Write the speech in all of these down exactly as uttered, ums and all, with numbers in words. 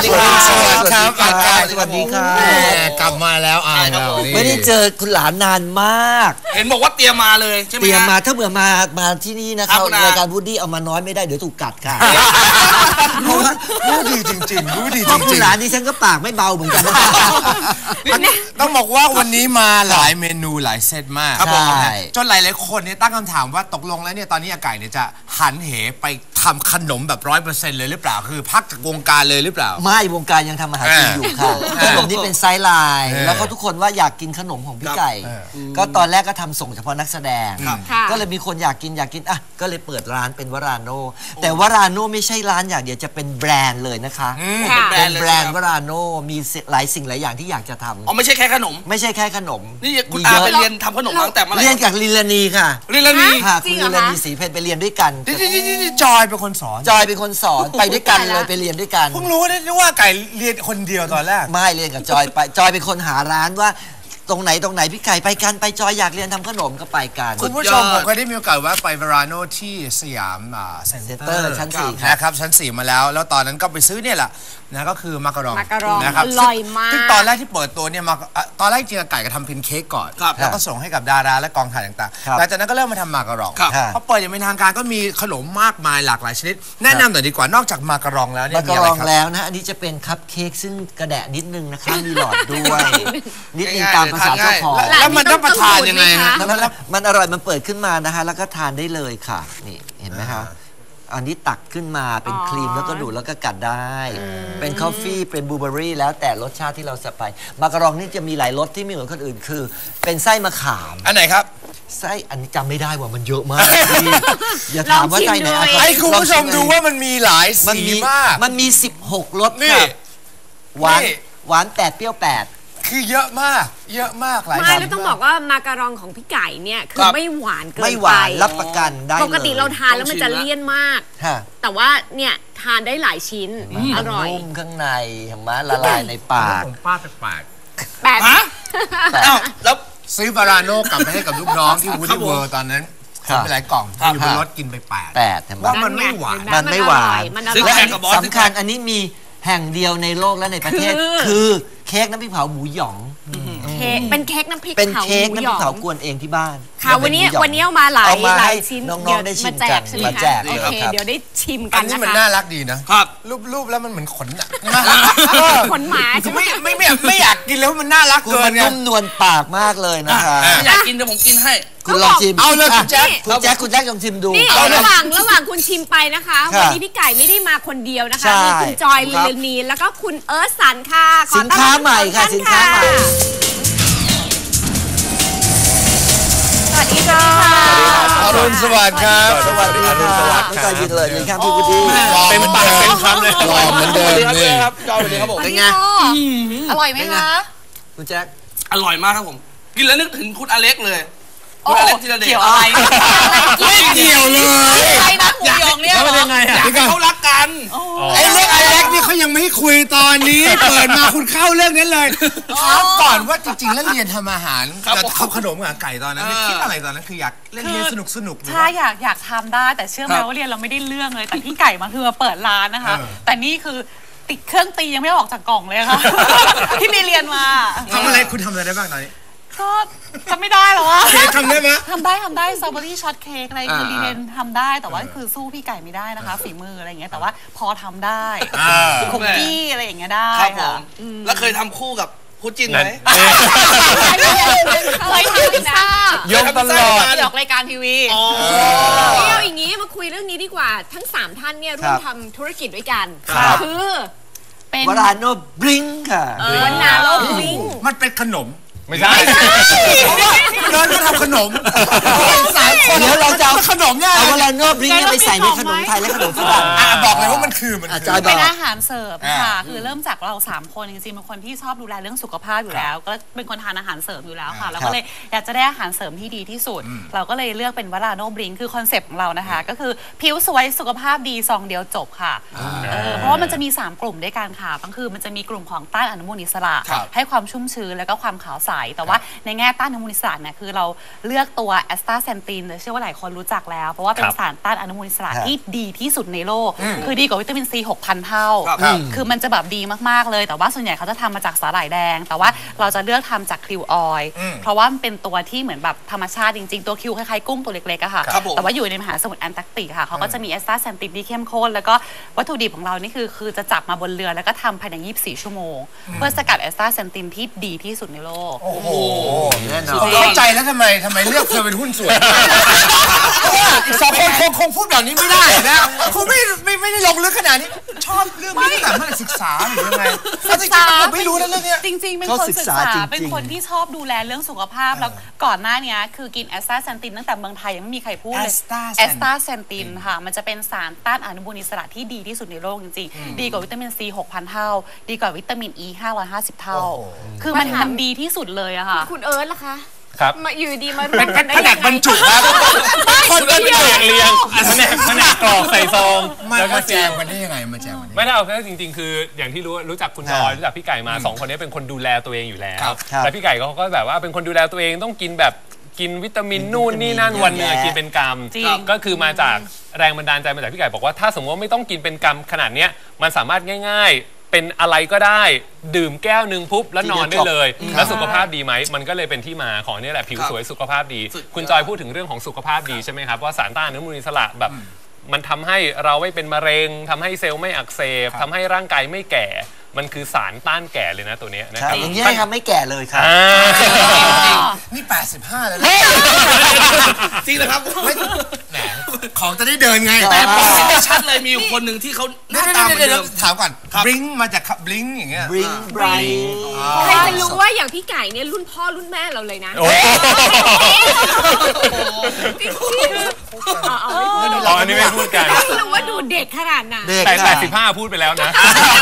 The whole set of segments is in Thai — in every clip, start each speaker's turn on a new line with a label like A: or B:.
A: ดีครับสวัสดีครับ
B: สวัสดีครับ
A: กลับมาแล้วอ่า
B: ไม่ได้เจอคุณหลานนานมาก
C: เห็นบอกว่าเตรียมมาเลยใช่ไหม
B: เตรียมมาถ้าเบื่อมามาที่นี่นะครับรายการวูดดี้เอามาน้อยไม่ได้เดี๋ยวถูกกัดค่ะ
A: รู้ดีจริงๆรู้ดีจริงๆ
B: คุณหลานนี่ฉันก็ปากไม่เบาเหมือนกัน
A: ต้องบอกว่าวันนี้มาหลายเมนูหลายเซตมากจนหลายๆคนเนี่ยตั้งคำถามว่าตกลงแล้วเนี่ยตอนนี้อาไก่เนี่ยจะหันเหไปทำขนมแบบร้อยเปอร์เซ็นต์เลยหรือเปล่าคือพักจากวงการเลยหรือเปล่า
B: ไม่วงการยังทำอาหารกินอยู่ค่ะขนมนี่เป็นไซส์ไลน์แล้วก็ทุกคนว่าอยากกินขนมของพี่ไก่ก็ตอนแรกก็ทำส่งเฉพาะนักแสดงก็เลยมีคนอยากกินอยากกินอ่ะก็เลยเปิดร้านเป็นวราโนแต่วราโนไม่ใช่ร้านอย่างเดียวจะเป็นแบรนด์เลยนะคะเป็นแบรนด์วราโนมีหลายสิ่งหลายอย่างที่อยากจะทำ
C: อ๋อไม่ใช่แค่ขนม
B: ไม่ใช่แค่ขนม
C: นี่คุณอาไปเรียนทำขนมตั้งแต่เมื่อไหร่
B: เรียนกับลิลานีค่ะ
C: ลิลานี
B: ค่ะคุณลิลานีศรีเพชรไปเรียนด้วยกัน
A: จอยเป็นคนสอน
B: จอยเป็นคนสอนไปด้วยกันเลยไปเรียนด้วยกัน
A: เพิ่งรู้ได้ว่าไก่เรียนคนเดียวตอนแรก
B: ไม่เรียนกับจอยไปจอยเป็นคนหาร้านว่าตรงไหนตรงไหนพี่ไก่ไปกันไปจอยอยากเรียนทำขนมก็ไปกัน
A: คุณผู้ชมผมก็ได้มีโอกาสว่าไปวาราโนที่สยามเซ็นเตอร์
B: ชั้นสี่
A: นะครับชั้นสี่มาแล้วแล้วตอนนั้นก็ไปซื้อเนี่ยแหละนะก็คือมาการอง
D: นะครับอร่อยมาก
A: ซึ่งตอนแรกที่เปิดตัวเนี่ยมาตอนแรกจริงๆไก่ก็ทำเป็นเค้กก่อนแล้วก็ส่งให้กับดาราและกองถ่ายต่างๆหลังจากนั้นก็เริ่มมาทำมาการองพอเปิดอย่างเป็นทางการก็มีขนมมากมายหลากหลายชนิดแนะนำหน่อยดีกว่านอกจากมาการองแล้วเนี่ย
B: มาการองแล้วนะอันนี้จะเป็นคัพเค้กซึ่งกระแดะนิดนึงนะคะมีหลอดด้วยนิดนึงตามภาษาเจ้าของ
A: แล้วมันต้องประทานยังไงฮะ
B: มันอร่อยมันเปิดขึ้นมานะคะแล้วก็ทานได้เลยค่ะนี่เห็นไหมคะอันนี้ตักขึ้นมาเป็นครีมแล้วก็ดูดแล้วก็กัดได้เป็นคอฟฟี่เป็นบลูเบอร์รี่แล้วแต่รสชาติที่เราใส่ไปมาการองนี่จะมีหลายรสที่ไม่เหมือนคนอื่นคือเป็นไส้มะขาม
A: อันไหนครับ
B: ไส้อันนี้จำไม่ได้ว่ามันเยอะมากอย่าถามว่าไส้ไหน
A: ให้คุณผู้ชมดูว่ามันมีหลายสีมาก
B: มันมีสิบหกรสค่ะหวานหวานแปดเปรี้ยวแปด
A: คือเยอะมากเยอะมากหลาย
D: ไม่แล้วต้องบอกว่ามาการองของพี่ไก่เนี่ยคือไม่หวานเกินไป
B: ไม่หวานรับประกันได้
D: ปกติเราทานแล้วมันจะเลี่ยนมากแต่ว่าเนี่ยทานได้หลายชิ้นอร่อย
B: นุ่มข้างในเห็นไหมละลายในปาก
A: ผมป้าแปลก
D: แปด
A: แล้วซื้อบาราโน่กลับไปให้กับลูกน้องที่วูดดี้เวิร์ตอนนั้นซื้อไปหลายกล่องอยู่บนรถกินไปแปด
B: แปดเห็นไหม
A: ว่ามันไม่หวาน
B: มันไม่หวานและสำคัญอันนี้มีแห่งเดียวในโลกและในประเทศคือเค้กน้ำพริกเผาหมูหยอง
D: เป็นเค้กน้ำพริก
B: เป็นเค้กน้ำพริกเผากวนเองที่บ้าน
D: ค่ะวันนี้วันนี้เอามาหลายหลายชิ้น
B: น้องๆได้ชิมกันมาแจก
D: โอเคเดี๋ยวได้ชิมกั
A: นนะคะอันนี้มันน่ารักดีนะครับรูปๆแล้วมันเหมือนขน
D: ขนหมาใช่ไหม
A: ไม่ไม่ไม่อยากกินแล้วมันน่ารักเกิน
B: ไงนุ่มนวลปากมากเลยนะคะ
C: อยากกินเดี๋ยวผมกินให้
B: คุณลองชิม
A: เอาเลยคุณแจ๊ค
B: คุณแจ๊คคุณแจ๊คลองชิมดู
D: นี่ระหว่างระหว่างคุณชิมไปนะคะวันนี้พี่ไก่ไม่ได้มาคนเดียวนะคะมีคุณจอยลิลนีแล้วก็คุณเอิร์ธสันค่ะ
B: สินค้าใหม่ค่ะสินค้าใหม่
D: สวัสดีค่ะ
A: อรุณสวัสดิ์ครับ
B: สวัสดีครับพี่ไก่ยินเลยยินครับพี่วุฒิ
A: เป็นปากเป็นคำเลยหล่อเหมือนเดิมนี่
C: ครับจอยเลยครับผม
D: เป็นไงอร่อยไหมคะ
B: คุณแจ๊ค
C: อร่อยมากครับผมกินแล้วนึกถึงคุณอเล็กเลยคุณอเล็กที่เราเด็ก
D: เกี่ยวอะไร
A: ไม่เกี่ยวเลย
D: ใครนะหมูยองเนี่ย
C: เป็นยังไงอยากให้เขารักกัน
A: ไอ้เรื่องอเล็กนี่เขายังไม่ให้คุยตอนนี้เปิดมาคุณเข้าเรื่องนั้นเลยถามก่อนว่าจริงๆแล้วเรียนทำอาหารจะทำขนมกับไก่ตอนนั้นคิดอะไรตอนนั้นคืออยากเล่นเรียนสนุกสนุก
E: ใช่อยากอยากทำได้แต่เชื่อไหมว่าเรียนเราไม่ได้เรื่องเลยแต่พี่ไก่มาคือมาเปิดร้านนะคะแต่นี่คือติดเครื่องตียังไม่ออกจากกล่องเลยค่ะที่มีเรียนมา
A: ทำอะไรคุณทำอะไรได้บ้างตอนนี้
E: ก็ทำไม่ได้หรอวะ
A: ทำได้ไหม
E: ทำได้ทำได้สตรอเบอรี่ช็อตเค้กอะไรคือรีเทนทำได้แต่ว่าคือสู้พี่ไก่ไม่ได้นะคะฝีมืออะไรอย่างเงี้ยแต่ว่าพอทำได้คุกกี้อะไรอย่างเงี้ยได้
C: ค่ะแล้วเคยทำคู่กับคู่จิ้นไหม
D: เคยทำพิซซ่าย
A: กตลอด
E: ออกรายการทีวี
D: นี่เอาอย่างงี้มาคุยเรื่องนี้ดีกว่าทั้งสามท่านเนี่ยร่วมทำธุรกิจด้วยกันคือ
B: เป็นวราโนบลิงค่ะ
D: วราโนบลิง
A: มันเป็นขนมไม่ใช่เราก็ทำขนมสายคน
B: เดี๋ยวเราจะเอา
A: ขนมเนี่ย
B: เอาวราโนบลิงไปใส่ในขนมไทยและขนมฝรั่ง
A: บอกเลยว่ามันคือมัน
E: เป็นอาหารเสิร์ฟค่ะคือเริ่มจากเราสามคนจริงๆเป็นคนที่ชอบดูแลเรื่องสุขภาพอยู่แล้วก็เป็นคนทานอาหารเสริมอยู่แล้วค่ะเราก็เลยอยากจะได้อาหารเสริมที่ดีที่สุดเราก็เลยเลือกเป็นวราโนบลิงคือคอนเซปต์ของเรานะคะก็คือผิวสวยสุขภาพดีซองเดียวจบค่ะเพราะว่ามันจะมีสามกลุ่มด้วยกันค่ะก็คือมันจะมีกลุ่มของต้านอนุมูลอิสระให้ความชุ่มชื้นแล้วก็ความขาวใสแต่ว่าในแง่ต้านอนุมูลอิสระเนี่ยคือเราเลือกตัวแอสตาเซนตินเชื่อว่าหลายคนรู้จักแล้วเพราะว่าเป็นสารต้านอนุมูลอิสระที่ดีที่สุดในโลกคือดีกว่าวิตามินซี หกพัน เท่าคือมันจะแบบดีมากๆเลยแต่ว่าส่วนใหญ่เขาจะทำมาจากสาหร่ายแดงแต่ว่าเราจะเลือกทำจากคิวออยล์เพราะว่ามันเป็นตัวที่เหมือนแบบธรรมชาติจริงๆตัวคิวคล้ายๆกุ้งตัวเล็กๆอะค่ะแต่ว่าอยู่ในมหาสมุทรแอนตาร์กติกค่ะเขาก็จะมีแอสตาเซนตินที่เข้มข้นแล้วก็วัตถุดิบของเรานี่คือคือจะจับมาบนเรือแล้วก็ทำภายในยี่สิบสี่ชั่วโมงเพื่อสกัดแอสตาเซนตินที่ดีที่สุดในโลก
A: โอ้โหเข้าใจแล้วทำไมทำไมเลือกเธอเป็นหุ้นส่วนอีกสองคนคงคงพูดแบบนี้ไม่ได้นะคงไม่ไม่ไม่ได้ลงลึกขนาดนี้ชอบเรื่องนี้แต่เมื่อศึกษาหรือยังไงศึกษาผมไม่รู้นะเรื่องนี้
E: จริงๆเป็นคนศึกษาเป็นคนที่ชอบดูแลเรื่องสุขภาพแล้วก่อนหน้านี้คือกินแอสตาเซนตินตั้งแต่เมืองไทยยังไม่มีใครพูดเลยแอสตาเซนตินค่ะมันจะเป็นสารต้านอนุมูลอิสระที่ดีที่สุดในโลกจริงๆดีกว่าวิตามินซี หกพัน เท่าดีกว่าวิตามินอี ห้าร้อยห้าสิบ เท่าคือมันมันดีที่สุดเลยอะค่ะ
D: คุณเอิร์ธล่ะคะ
F: ครับ
D: มาอยู่ดีมารวมกันได้ยังไง
A: แผนกบรรจุครับ
F: คนก็เรียงเรียงแผนกแผนกกรอกใส่ซอง
A: แล้วก็แจมกันได้ยังไงมาแจมกัน
F: ไม่ได้เอาแค่จริงๆคืออย่างที่รู้รู้จักคุณจอยรู้จักพี่ไก่มาสองคนนี้เป็นคนดูแลตัวเองอยู่แล้วแต่พี่ไก่เขาก็แบบว่าเป็นคนดูแลตัวเองต้องกินแบบกินวิตามินนู่นนี่นั่นวันหนึ่งกินเป็นกรัมก็คือมาจากแรงบันดาลใจมาจากพี่ไก่บอกว่าถ้าสมมติว่าไม่ต้องกินเป็นกรัมขนาดนี้มันสามารถง่ายๆเป็นอะไรก็ได้ดื่มแก้วหนึ่งปุ๊บแล้วนอนได้เลยแล้วสุขภาพดีไหมมันก็เลยเป็นที่มาของนี่แหละผิวสวยสุขภาพดีคุณจอยพูดถึงเรื่องของสุขภาพดีใช่ไหมครับว่าสารต้านอนุมูลอิสระแบบมันทำให้เราไม่เป็นมะเร็งทำให้เซลล์ไม่อักเสบทำให้ร่างกายไม่แก่มันคือสารต้านแก่เลยนะตัวนี้นะครับ
B: อย่างนี้ให้ทำไม่แก่เลยครับ
A: นี่แปดสิบห้าแล้ว
C: จริงเหรอครับ
A: แหมของจะได้เดินไง
C: แต่ไม่ชัดเลยมีอยู่คนหนึ่งที่เขาหน้าตาเหมือนเดิม
A: ถามก่อนบลิงมาจากบลิงอย่างเงี้ย
B: บลิงบลิง
D: ใครจะรู้ว่าอย่างพี่ไก่เนี่ยรุ่นพ่อรุ่นแม่เราเลยนะ
F: อ๋ออันนี้ไม่พูดกัน
D: ไม่รู้ว่าดูเด็กขนาดไหน
F: แต่แปดสิบห้าพูดไปแล้วนะ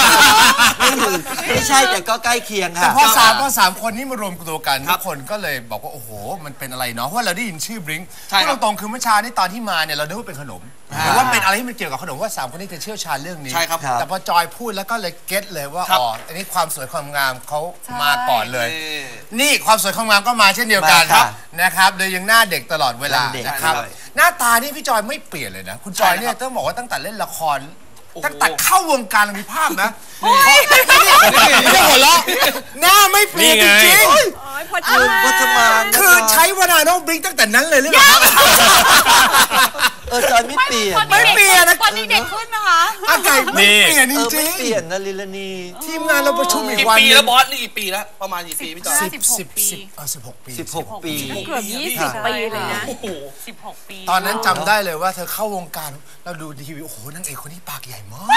B: ไม่ใช่แต่ก็ใกล้เคียงค่ะ
A: แต่พอสามพอสามคนนี้มารวมตัวกันทุกคนก็เลยบอกว่าโอ้โหมันเป็นอะไรเนาะเพราะเราได้ยินชื่อบลิงพูดตรงๆคือเมื่อเช้านี้ตอนที่มาเนี่ยเราคิดว่าเป็นขนมหรือว่าเป็นอะไรที่มันเกี่ยวกับขนมว่าสามคนนี้จะเชี่ยวชาญเรื่องนี้แต่พอจอยพูดแล้วก็เลยเก็ตเลยว่าอ๋ออันนี้ความสวยความงามเขามาก่อนเลยนี่ความสวยความงามก็มาเช่นเดียวกันนะครับเลยยังหน้าเด็กตลอดเวลานะครับหน้าตานี่พี่จอยไม่เปลี่ยนเลยนะคุณจอยเนี่ยต้องบอกว่าตั้งแต่เล่นละครตั้งแต่เข้าวงการมีภาพนะไม่ได้หัวเราะหน้าไม่เปลี่ยนจริง
D: ๆพอจะ
B: มา
A: คือใช้วานาโนบลิงตั้งแต่นั้นเลยหรือเปล่า
B: เออจอยไม่เปลี่ยน
A: ไม่เปลี่ยนนะ
E: ตอนนี้เด็กขึ้นนะคะ
A: อากาศไม่เปลี่ยนจริง
B: ๆไม่เปลี่ยนนะลิลนี
A: ทีมงานเราประชุมอีกวัน
C: กี่ปีแล้วบอสนี่กี่ปีแล้วประมาณกี่ปีพี่จอย
A: สิบสิบสิบเออสิบหกปี
B: สิบหกปี
D: เกือบยี่สิบปีเลยนะ
E: สิบหกปี
A: ตอนนั้นจำได้เลยว่าเธอเข้าวงการเราดูทีวีโอ้โหนางเอกคนนี้ปากใหญ่มาก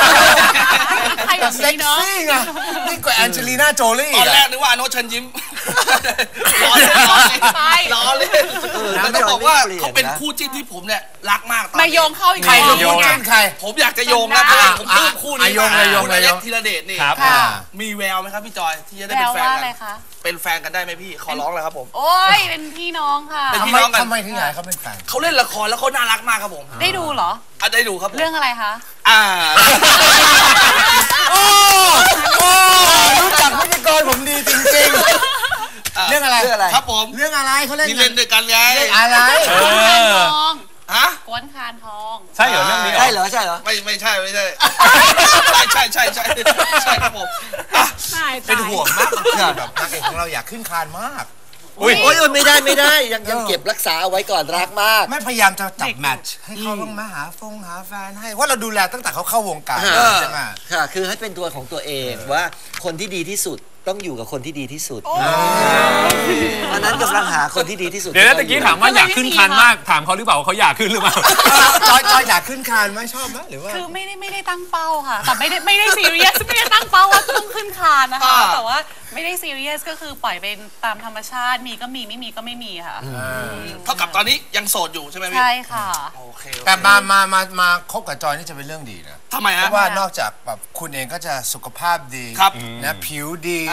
A: เซ็กซี่ไงนี่กว่าแอนเจลีน่าโจลี่
C: ตอนแรกนึกว่าอโนเชิญยิ้มล้อเล่นล้อเล่นแล้วต้องบอกว่าเขาเป็นคู่จิ้นที่ผมเนี่ยรักมาก
E: มาโยงเข้าอีก
A: ใครโยงใคร
C: ผมอยากจะโยงนะผมพูดคู่นี้
A: โยงเลยโยงเลย
C: ธีรเดชนี่มีแววไหมครับพี่จอยที่จะได้เป็นแฟนกันเป็นแฟนกันได้ไหมพี่ขอร้องเลยครับผม
E: โอ้ยเป็นพี่น้องค่ะ
A: เป็นพี่น้องกันทำไมถึงอยากเขาเป็นแฟน
C: เขาเล่นละครแล้วเขาน่ารักมากครับผม
E: ได้ดูเหรอ
C: อ่ะได้ดูครับ
E: เรื่องอะไรคะ
C: อ่า
A: โอ้โอ้รู้จักพิธีกรผมดีจริงๆเรื่องอะไร
C: ครับผม
A: เรื่องอะไรเขาเล่น
C: ที่เล่นด้วยกันไง
A: อะไร
C: ฮะ
E: กวนคานทอง
F: ใช่เหรอเรื่องนี้
B: ใช่เหรอใช่เหรอ
C: ไม่ไม่ใช่ไม่ใช่ใช่ใช่ใช่ใช่ใช่ครับผม
A: เป็นห่วงมากแบบนางเอกของเราอยากขึ้นคานมาก
B: โอ้ยโอ้ยไม่ได้ไม่ได้ยังยังเก็บรักษาเอาไว้ก่อนรักมาก
A: ไม่พยายามจะจับแมทช์ให้เขาต้องมาหาฟงหาแฟนให้ว่าเราดูแลตั้งแต่เขาเข้าวงการใช่ไหม
B: ค่ะคือให้เป็นตัวของตัวเองว่าคนที่ดีที่สุดต้องอยู่กับคนที่ดีที่สุดอันนั้นกำลังหาคนที่ดีที่สุด
F: เดี๋ยวตะกี้ถามว่าอยากขึ้นคานมากถามเขาหรือเปล่าเขาอยากขึ้นหรือเปล่า
A: จอยจอยอยากขึ้นคานไหมชอบไหมหรือว่า
E: คือไม่ได้ไม่ได้ตั้งเป้าค่ะแต่ไม่ได้ไม่ได้ซีเรียสไม่ได้ตั้งเป้าว่าต้องขึ้นคานนะคะแต่ว่าไม่ได้ซีเรียสก็คือปล่อยเป็นตามธรรมชาติมีก็มีไม่มีก็ไม่มีค่ะ
C: เท่ากับตอนนี้ยังโสดอยู่ใช่ไหมพี่
E: ใช่ค่ะ
C: โอเค
A: แต่มามามามาคบกับจอยนี่จะเป็นเรื่องดีนะ
C: ทำไมฮะ
A: เพราะว่านอกจากแบบคุณเองก็จะสุขภาพดีนะผิวดี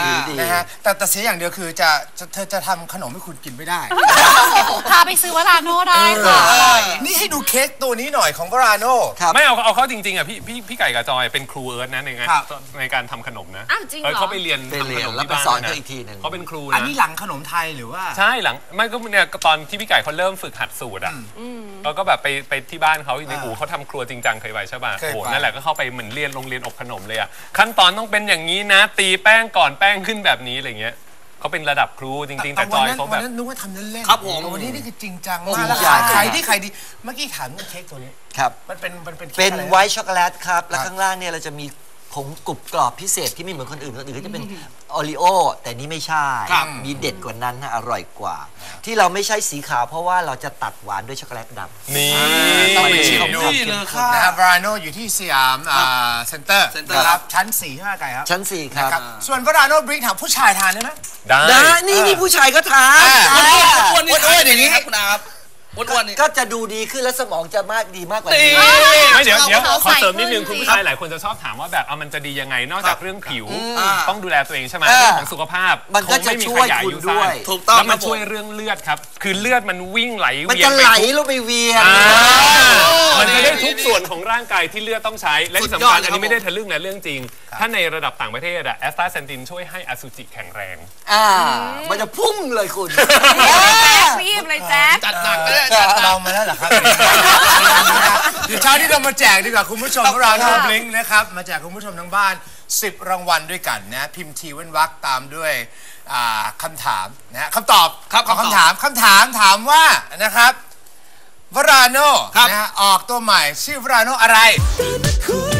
B: ผิวดี
A: นะฮะแต่แต่เสียอย่างเดียวคือจะเธอจะทำขนมให้คุณกินไม่ได้
E: พาไปซื้อวาราโน่ได้ค่ะ
A: นี่ให้ดูเค้กตัวนี้หน่อยของวาราโน่
F: ไม่เอาเอาเขาจริงๆอ่ะพี่พี่พี่ไก่กับจอยเป็นครูเอิร์ธนะในงานในการทำขนมนะเขาไปเรียนทำขนมที่บ้านนะเขาเป็นครูนะ
A: อันนี้หลังขนมไทยหรือว่า
F: ใช่หลังไม่ก็เนี่ยตอนที่พี่ไก่เขาเริ่มฝึกหัดสูตรอ่ะเราก็แบบไปไปที่บ้านเขาในอู่เขาทำครัวจริงจังเคยไปใช่ป่ะโอ้นั่นแหละก็เข้าไปเหมือนเรียนโรงเรียนอบขนมเลยอ่ะขั้นตอนต้องเป็นอย่างนี้นะตีแป้งก่อนแป้งขึ้นแบบนี้อะไรเงี้ยเขาเป็นระดับครูจริงๆแต่จอยเขาแบบ
A: วันนั้นนึกว่าทำเล่น
C: ๆครับผม
A: วันนี้นี่คือจริงจังมากแล้วขายที่ขายดีเมื่อกี้ถามเรื่องเค้กตัวนี้
B: ครับ
A: มันเป็นมันเป็น
B: เป็นไวท์ช็อกโกแลตครับแล้วข้างล่างเนี่ยเราจะมีผงกรุบกรอบพิเศษที่ไม่เหมือนคนอื่นคนอื่นก็จะเป็นโอรีโอแต่นี้ไม่ใช่มีเด็ดกว่านั้นนะอร่อยกว่าที่เราไม่ใช่สีขาวเพราะว่าเราจะตัดหวานด้วยช็อกโกแลตดำ
F: นี่
A: ต้องไปชิมดูนะครับวาราโน่อยู่ที่สยามเซ็นเตอร์นะครับชั้นสี่ใช่ไหมไก่ครับ
B: ชั้นสี่ครับ
A: ส่วนวาราโน่บริงถามผู้ชายทานได้ไหม
F: ได้
B: นี่นี่ผู้ชายก็ทาน
C: อ้วนๆอ้วนๆอย่างนี้ครับคุณอาครับ
B: ก็จะดูดีขึ้นและสมองจะมากดีมากกว่านี้
F: ไม่เดี๋ยวเดี๋ยวขอเสริมนิดนึงคุณผู้ชายหลายคนจะชอบถามว่าแบบเอามันจะดียังไงนอกจากเรื่องผิวต้องดูแลตัวเองใช่ไหมเรื่องของสุขภาพ
B: มันก็จะช่วยคุณด้วย
F: ถูกต้องแล้วมันช่วยเรื่องเลือดครับคือเลือดมันวิ่งไหลเวียน
B: มันจะไหลลงไปเวียน
F: มันจะได้ทุกส่วนของร่างกายที่เลือดต้องใช้และที่สำคัญอันนี้ไม่ได้ทะลึ่งนะเรื่องจริงถ้าในระดับต่างประเทศอะแอสตาเซนตินช่วยให้อสุจิแข็งแรง
B: อ่ามันจะพุ่งเลยคุณ
D: รีบเลยแจ๊
C: จัดหนักเลย
A: ลองมาแล้วเหรอครับเดี๋ยวเช้าที่เรามาแจกดีกว่าคุณผู้ชมของเราโนบลิงนะครับมาแจกคุณผู้ชมทั้งบ้านสิบรางวัลด้วยกันนะพิมพ์ทีเว้นวรรคตามด้วยคำถามนะฮะคำตอบ
C: ครับ
A: คำถามคำถามถามว่านะครับวาราโน่นะฮะออกตัวใหม่ชื่อวาราโน่อะไร